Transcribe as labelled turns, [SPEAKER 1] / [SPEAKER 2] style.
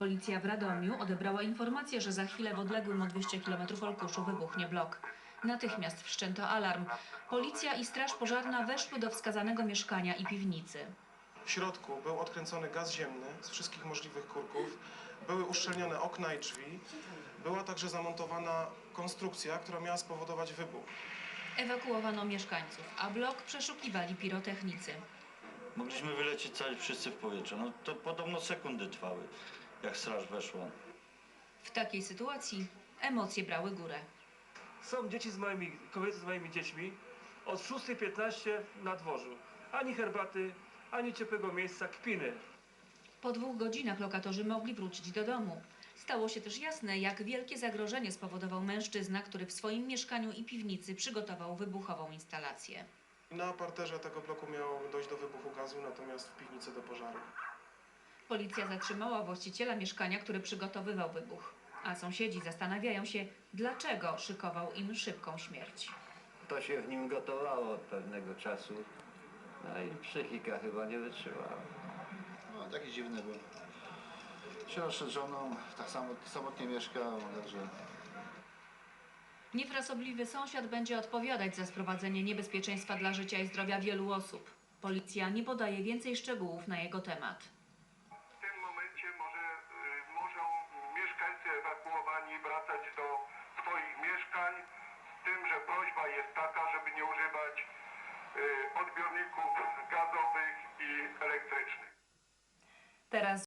[SPEAKER 1] Policja w Radomiu odebrała informację, że za chwilę w odległym o 200 km Olkuszu wybuchnie blok. Natychmiast wszczęto alarm. Policja i straż pożarna weszły do wskazanego mieszkania i piwnicy.
[SPEAKER 2] W środku był odkręcony gaz ziemny z wszystkich możliwych kurków, były uszczelnione okna i drzwi, była także zamontowana konstrukcja, która miała spowodować wybuch.
[SPEAKER 1] Ewakuowano mieszkańców, a blok przeszukiwali pirotechnicy.
[SPEAKER 3] Mogliśmy wylecieć cali wszyscy w powietrze. No to podobno sekundy trwały, jak straż weszła.
[SPEAKER 1] W takiej sytuacji emocje brały górę.
[SPEAKER 4] Są kobiety z moimi dziećmi od 6:15 na dworzu. Ani herbaty, ani ciepłego miejsca, kpiny.
[SPEAKER 1] Po 2 godzinach lokatorzy mogli wrócić do domu. Stało się też jasne, jak wielkie zagrożenie spowodował mężczyzna, który w swoim mieszkaniu i piwnicy przygotował wybuchową instalację.
[SPEAKER 2] Na parterze tego bloku miało dojść do wybuchu gazu, natomiast w piwnicy do pożaru.
[SPEAKER 1] Policja zatrzymała właściciela mieszkania, który przygotowywał wybuch. A sąsiedzi zastanawiają się, dlaczego szykował im szybką śmierć.
[SPEAKER 5] To się w nim gotowało od pewnego czasu, no i psychika chyba nie wytrzymała.
[SPEAKER 6] No, taki dziwny był. Się rozszedł z żoną, tak samotnie mieszkał, także...
[SPEAKER 1] Niefrasobliwy sąsiad będzie odpowiadać za sprowadzenie niebezpieczeństwa dla życia i zdrowia wielu osób. Policja nie podaje więcej szczegółów na jego temat.
[SPEAKER 7] W tym momencie muszą mieszkańcy ewakuowani wracać do swoich mieszkań, z tym, że prośba jest taka, żeby nie używać odbiorników gazowych i elektrycznych.
[SPEAKER 1] Teraz